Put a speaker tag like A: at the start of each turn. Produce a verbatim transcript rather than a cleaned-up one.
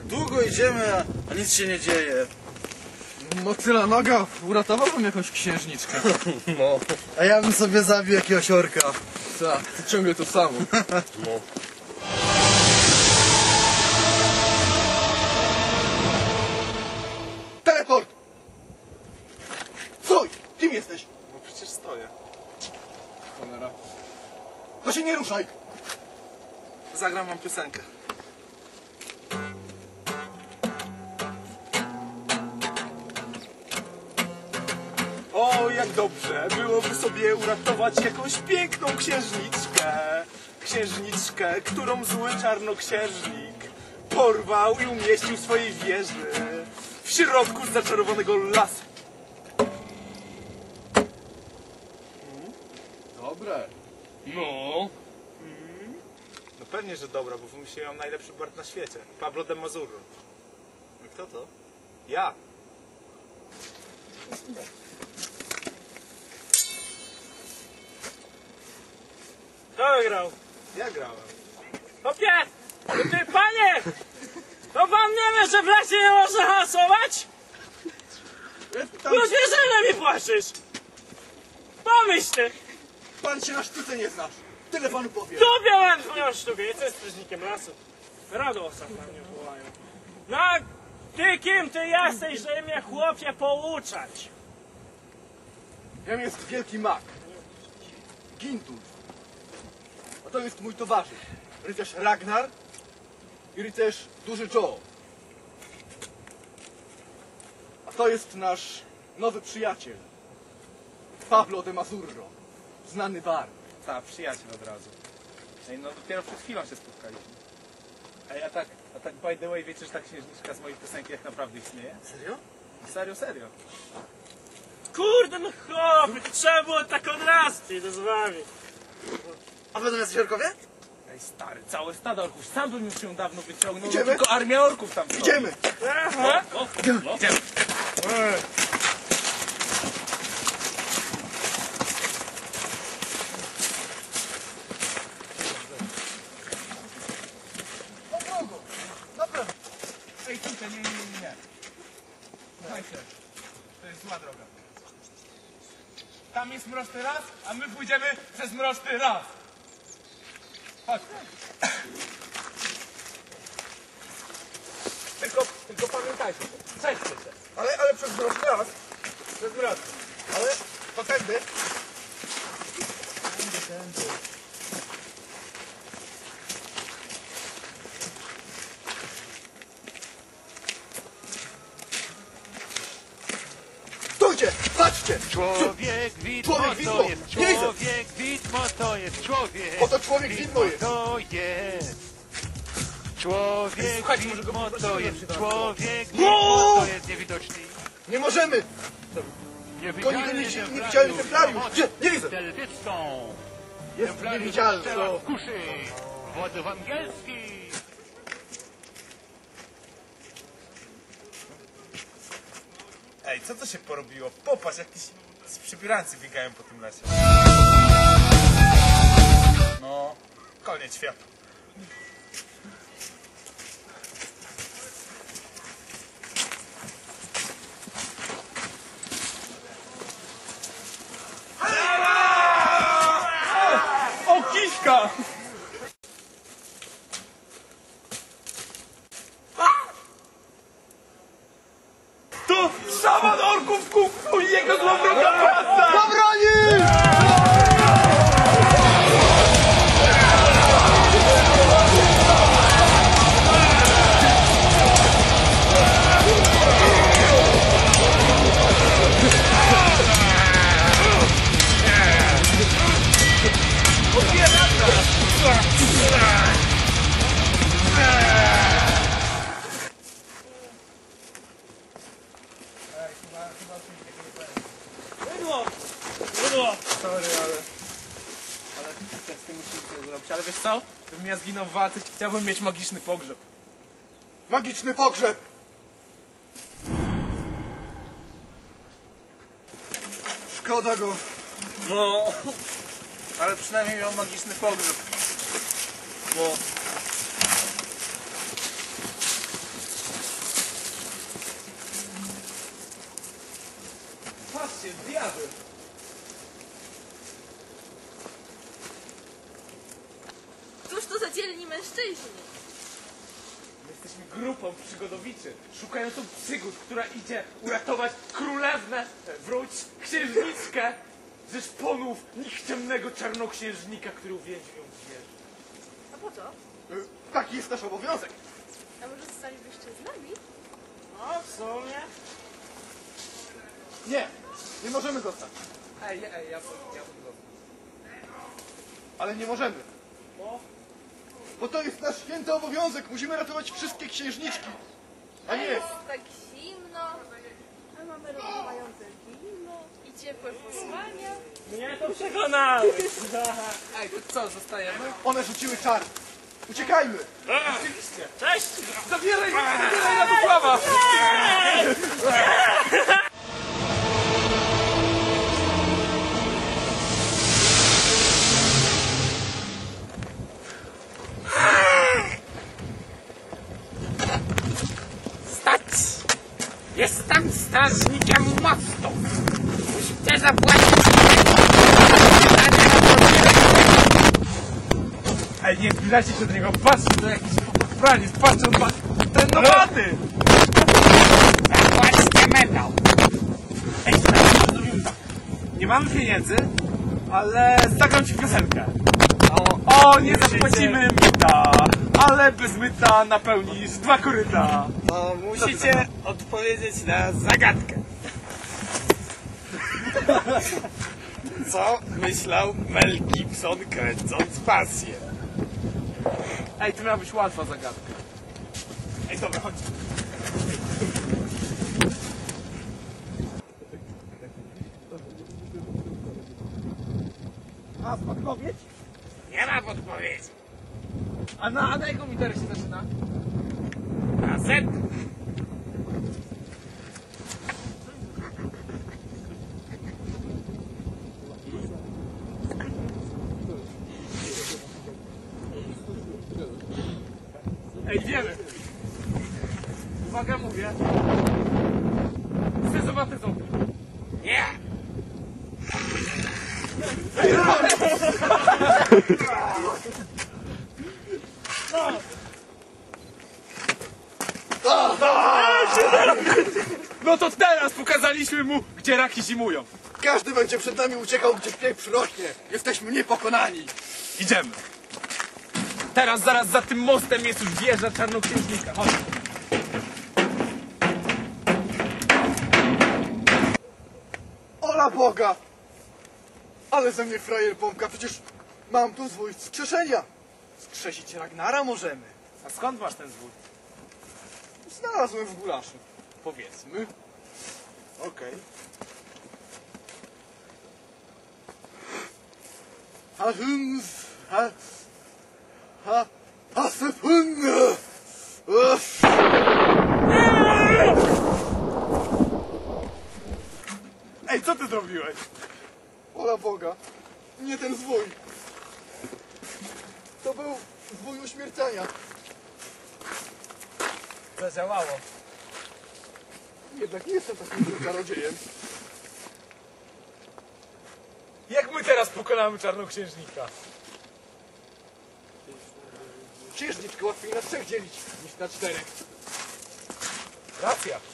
A: tak długo idziemy, a, a nic się nie dzieje.
B: Motyla noga, uratowałbym jakąś księżniczkę.
A: No. A ja bym sobie zabił jakiegoś orka.
B: Tak, to ciągle to samo.
A: No.
B: Teleport! Stój! Kim jesteś?
C: No przecież stoję.
B: Cholera. To się nie ruszaj!
C: Zagram wam piosenkę. O, jak dobrze byłoby sobie uratować jakąś piękną księżniczkę. Księżniczkę, którą zły czarnoksiężnik porwał i umieścił w swojej wieży w środku zaczarowanego lasu.
B: Dobre.
C: No. No pewnie, że dobra, bo wymyśliłem najlepszy bard na świecie. Pablo de Mazurro.
A: Kto to?
C: Ja.
D: Kto wygrał?
C: Ja grałem.
D: Popie! Ty, panie! To pan nie wie, że w lesie nie można hasować? Ludzie, że mi płaczysz! Pomyśl ty!
B: Pan się na sztuce nie znasz. Tyle panu powiem.
D: Tu miałem twoją sztukę, jestem strażnikiem lasu. Radosław na mnie wołają. No, ty kim ty jesteś, żeby mnie chłopie pouczać?
B: Jam jest wielki mak. Gintulf. A to jest mój towarzysz. Rycerz Ragnar i rycerz Duży Joe. A to jest nasz nowy przyjaciel. Pablo de Mazurro. Znany bard.
C: Tak, przyjaciel od razu. Ej, no dopiero przed chwilą się spotkaliśmy. Ej, a tak, a tak by the way, wiecie, że ta księżniczka z mojej piosenki jak naprawdę istnieje?
A: Serio?
C: Serio, serio.
D: Kurde, no chłopie, to trzeba było tak od razu, ty idę z wami.
A: A będą jacyś orkowie?
C: Ej, stary, całe stado orków. Sam bym już ją dawno wyciągnął, no
B: Idziemy?
C: tylko armia orków tam stoi.
B: Idziemy!
D: Aha.
C: O, o, no. Idziemy.
B: Na drogą! Na prawo!
C: Ej, tutaj, nie, nie, nie, nie. Słuchajcie, to jest zła droga. Tam jest mroczny las, a my pójdziemy przez mroczny las. Chodź. Tylko, tylko pamiętajcie, przejdźcie się.
B: Ale, ale przez mroczny las.
C: Przez mroczny.
B: Ale to tędy. Stójcie! Patrzcie!
E: Człowiek widmo
B: Człowiek widmo!
E: to jest
B: Nie widzę!
E: człowiek widmo to jest człowiek.
B: Oto człowiek widmo jest!
E: To jest. Człowiek
C: Słuchajcie, może go
E: widmo to
C: poprosimy,
E: jest
C: żeby się
E: człowiek
B: No!
E: widmo to jest niewidoczny.
B: Nie możemy!
E: Niewidzialny
B: nie- nie- niewidzialny templariusz. Gdzie? Nie widzę.
E: Delwicką.
B: Jest niewidzialny.
E: Strzela
B: No.
E: w kuszy. Władzy angielski.
C: Ej, co to się porobiło? Popatrz, jakieś przybierańcy biegają po tym lesie. No, koniec świata. O, kiszka! To szaman orków kuku i jego złowroga praca!
B: Zabroni!
D: Mydło! Mydło!
C: Sorry, ale... Ale też z tym musimy zrobić. Ale wiesz co? Gdybym ja zginął w walce, chciałbym mieć magiczny pogrzeb.
B: Magiczny pogrzeb! Szkoda go.
C: No, ale przynajmniej miał magiczny pogrzeb. No. Patrzcie, diabeł.
F: Cóż to za dzielni mężczyźni?
C: My jesteśmy grupą przygodowiczy, szukającą przygód, która idzie uratować królewnę, wróć księżniczkę ze szponów nikczemnego czarnoksiężnika, który uwięził ją w wieży.
F: A po co?
B: Y, Taki jest nasz obowiązek.
F: A może zostalibyście z nami?
D: No, w sumie.
B: Nie, nie możemy zostać.
C: Ej, ej, ja bym, ja bym go...
B: Ale nie możemy.
D: Bo?
B: Bo to jest nasz święty obowiązek. Musimy ratować wszystkie księżniczki. A nie,
F: Jest tak zimno, a mamy rozmawiające wino i ciepłe posłania.
D: Mnie to przekonałeś.
C: Ej, to co, zostajemy?
B: one rzuciły czar. Uciekajmy.
C: Oczywiście.
D: Cześć!
C: Zabieraj, zabieraj Radosława!
G: Stać! Jestem strażnikiem mostu! Musicie zapłacić
C: Ej, nie zbliżajcie się do niego, patrzcie, to jakiś praniec, patrzcie, on ma ten nowaty!
G: Zapłaćcie medal!
C: Ej, nie mamy pieniędzy, ale zagram ci piosenkę. O, o nie zapłacimy myta, ale bez myta napełnisz dwa koryta.
A: No,
G: Musicie odpowiedzieć na zagadkę. Co myślał Mel Gibson, kręcąc pasję?
C: Ej, to miała być łatwa zagadka. Ej, dobra, chodź. A, odpowiedź?
G: Nie ma podpowiedzi.
C: A na, a na jaką literę się zaczyna?
G: Na Z.
C: Ej, wiemy. Uwaga, mówię. Zdezowaty zombie.
G: Nie.
C: No to teraz pokazaliśmy mu, gdzie raki zimują.
B: Każdy będzie przed nami uciekał, gdzie pieprz rośnie. Jesteśmy niepokonani.
C: Idziemy. Teraz, zaraz za tym mostem jest już wieża czarnoksiężnika. Chodź.
B: Ola Boga! Ale ze mnie frajer pompka, przecież mam tu zwój wskrzeszenia. Skrzesić Ragnara możemy.
C: A skąd masz ten zwój?
B: Znalazłem w gulaszu.
C: Powiedzmy.
B: Okej. A hums, ha, ha, hasepunne. Uff.
C: Ej, co ty zrobiłeś?
B: Ola Boga, nie ten zwój. To był zwój uśmiercenia.
C: Zadziałało.
B: Jednak nie jestem takim złym czarodziejem.
C: Jak my teraz pokonamy czarnoksiężnika?
B: Księżniczkę łatwiej na trzech dzielić niż na czterech.
C: Racja.